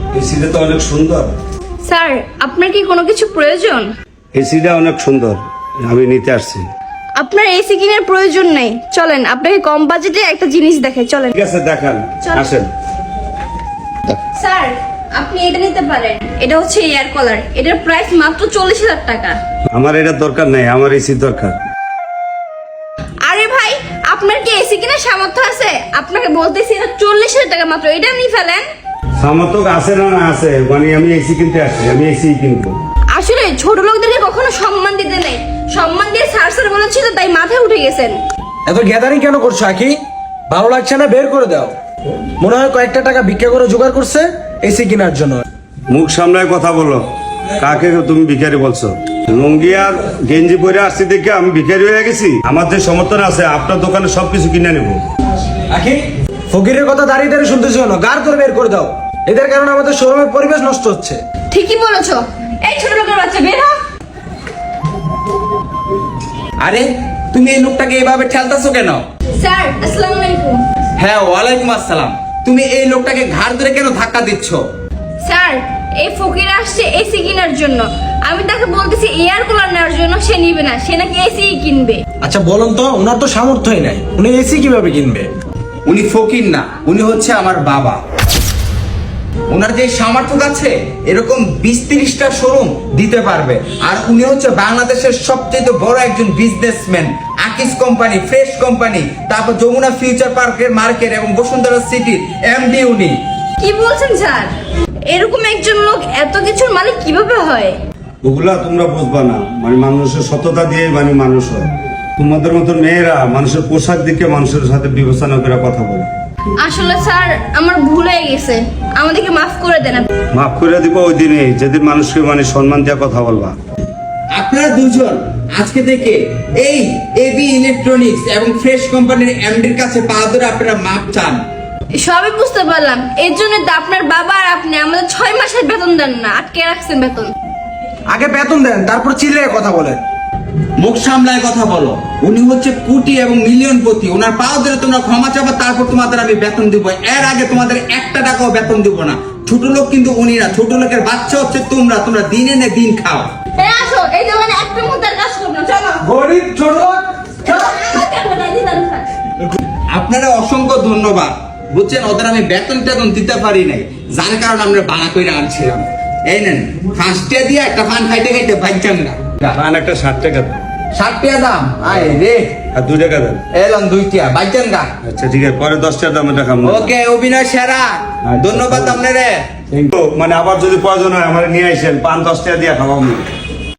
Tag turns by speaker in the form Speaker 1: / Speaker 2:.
Speaker 1: এসিটা তো অনেক সুন্দর।
Speaker 2: স্যার, আপনার কি কোনো কিছু প্রয়োজন?
Speaker 1: এসিটা অনেক সুন্দর, আমি নিতে আসছি।
Speaker 2: আপনার এসি কেনার প্রয়োজন নেই, চলেন আপনাকে কম বাজেটে একটা জিনিস দেখাই, চলেন।
Speaker 1: ঠিক আছে, দেখান,
Speaker 2: চল।
Speaker 1: আসেন।
Speaker 2: স্যার, আপনি এটা নিতে পারেন। এটা হচ্ছে এয়ার কুলার, এটার প্রাইস মাত্র 40,000 টাকা।
Speaker 1: আমার এটা দরকার নাই, আমার এসি দরকার।
Speaker 2: আরে ভাই, আপনার কি এসি কেনার সামর্থ্য আছে? আপনাকে বলতেছি এটা 40,000 টাকা মাত্র, এটা নিয়ে ফেলেন।
Speaker 1: সামর্থ্য আছে না? না আছে, মানে আমি এসি কিনতে আসছি, আমি এসি কিনবো।
Speaker 2: আসলে ছোট লোকদেরকে কখনো সম্মান দিতে নেই, সম্মান দিয়ে স্যার বলেছিল তাই মাথায় উঠে গেছেন।
Speaker 3: এত গ্যাদারিং কেন করছো আকি? ভালো লাগছে না, বের করে দাও। মনে হয় কয়েকটা টাকা ভিক্ষা করে জোগাড় করছে এসি কেনার জন্য।
Speaker 1: মুখ সামলায় কথা বলো, কাকে তুমি ভিখারি বলছো? লুঙ্গি আর গেঞ্জি পরে আসছি দেখে আমি ভিখারি হয়ে গেছি? আমার যে সমর্থন আছে, আপনার দোকানে সবকিছু কিনে নেবো।
Speaker 3: আকি, ফকিরের কথা দাঁড়িয়ে দাঁড়িয়ে শুনতেছি না, গাড় করে বের করে দাও। এদের কারণে আমাদের শোরুমের পরিবেশ নষ্ট হচ্ছে।
Speaker 2: ঠিকই বলেছো, এই ছোট লোকের বাচ্চা বের হ।
Speaker 4: আরে তুমি এই লোকটাকে এভাবে ঠেলতাছো কেন?
Speaker 2: স্যার, আসসালামু আলাইকুম।
Speaker 4: হ্যাঁ, ওয়ালাইকুম আসসালাম। তুমি এই লোকটাকে ঘাড় ধরে কেন ধাক্কা দিচ্ছ?
Speaker 2: স্যার, এই ফকির আসছে এসি কেনার জন্য, আমি তাকে বলতেছি এয়ার কুলার নেওয়ার জন্য, সে নিবে না, সে নাকি এসি কিনবে।
Speaker 3: আচ্ছা বলুন তো, ওনার তো সামর্থ্যই নাই, উনি এসি কিভাবে কিনবে?
Speaker 4: উনি ফকির না, উনি হচ্ছে আমার বাবা। ওনার যে সামর্থ্য আছে এরকম 20-30টা শোরুম দিতে পারবে। আর উনি হচ্ছে বাংলাদেশের সবচেয়ে বড় একজন বিজনেসম্যান। আকিস কোম্পানি, ফ্রেশ কোম্পানি, তারপর যমুনা ফিউচার পার্কের মার্কেট এবং বসুন্ধরা সিটির এমডি উনি।
Speaker 2: কি বলছেন স্যার? এরকম একজন লোক এত কিছুর মালিক কিভাবে হয়?
Speaker 1: ওগুলা তোমরা বুঝবা না, মানে মানুষের সততা দিয়ে মানে মানুষ হয়। তোমাদের মতো মেয়েরা মানুষের পোশাক দিকে মানুষের সাথে বিবেচনা করে কথা বলে।
Speaker 2: আসলে স্যার, আমার ভুল হয়ে গেছে, আমাদেরকে মাফ করে দেন।
Speaker 1: মাফ করে দিব ওই দিনে যেদিন মানুষকে মানে সম্মান দিয়ে কথা বলবা।
Speaker 4: আপনারা দুজন আজকে থেকে এই এবি ইলেকট্রনিক্স এবং ফ্রেশ কোম্পানির এমডির কাছে পা ধরে আপনারা মাপ চান।
Speaker 2: সবই বুঝতে পারলাম, এর জন্য তো আপনার বাবা আর আপনি আমাদের 6 মাসের বেতন দেন না, আটকে রাখছেন বেতন।
Speaker 3: আগে বেতন দেন, তারপর চিল্লে কথা বলেন।
Speaker 4: মুখ সামলায় কথা বলো। উনি হচ্ছে কোটি এবং মিলিয়নপতি, ওনার পাও ধরে তোমরা ক্ষমা চাবা, তারপর তোমাদের আমি বেতন দিব। এর আগে তোমাদের 1 টাকাও বেতন দিব না। ছোট লোক কিন্তু উনি না, ছোট লোকের বাচ্চা হচ্ছে তোমরা। তোমরা দিনে নে দিন খাও।
Speaker 2: হ্যাঁ, আসো, এই দোকানে একটা মুদ্রার কাজ করব না, চলো।
Speaker 3: গরিব ছোট
Speaker 4: আপনারা অসংখ্য ধন্যবাদ। বুঝছেন, ওদের আমি বেতন টেতন দিতে পারি নাই, যার কারণে আমরা বানা করে আনছিলাম। এই নেন, 5 টাকা দিয়ে একটা পান খাইতে খাইতে বাইচান না।
Speaker 1: পান একটা 60 টাকা দেন।
Speaker 4: 60 টাকা দাম? আয় রে,
Speaker 1: আর 2 টাকা দেন।
Speaker 4: এলাম 2 টাকা বাইচান গা।
Speaker 1: আচ্ছা ঠিক আছে, পরে 10 টাকা দামে টাকা।
Speaker 4: ওকে, অভিনয় সেরা, ধন্যবাদ আপনারে।
Speaker 1: মানে আবার যদি প্রয়োজন হয় আমার নিয়ে আসেন, পান 10 টাকা দিয়ে খাওয়াবো।